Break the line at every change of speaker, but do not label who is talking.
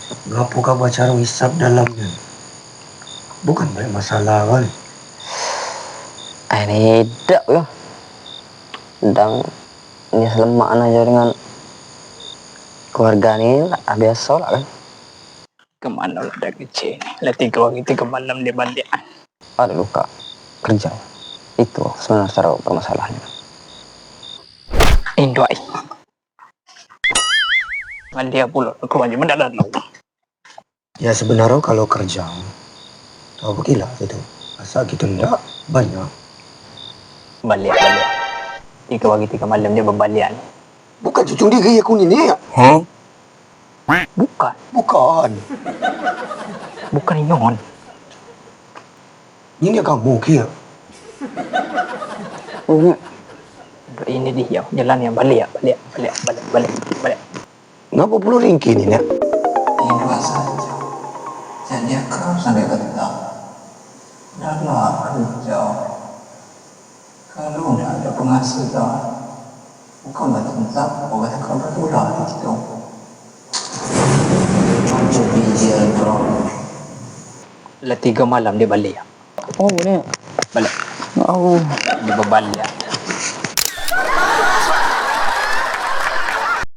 Ngapo ka baca hisap dalamnya? Bukan banyak masalah kan?
Ini tidak ya. Dan ini selemaan aja dengan keluarga ini lah, biasa lah kan.
Kemana lah dah kecil ni? Lah 3 hari 3 malam dia balik.
Ada luka kerja. Itu sebenarnya cara permasalahannya.
Indoi. Dia pula keluar je mendadak lu.
Ya sebenarnya kalau kerja, tahu begila gitu. Asal gitu enggak banyak.
Balik. 3 hari 3 malam dia berbalian.
Bukan cucung diri aku ni ya?
Hah?
Bukan. Bukan inyon.
Ini kamu kia.
Ini dia jalan yang balik.
Ngapa perlu ringki ni nak?
Ini saja. Jadi kau sampai ketemu. Dalam kerja. Kalau tidak ada penghasilan, kau tak tetap, kau kata kau bertulah di situ. Macam bijak bro.
Lah 3 malam dia balik.
Oh ni.
Balik.
Oh.
Dia berbalik.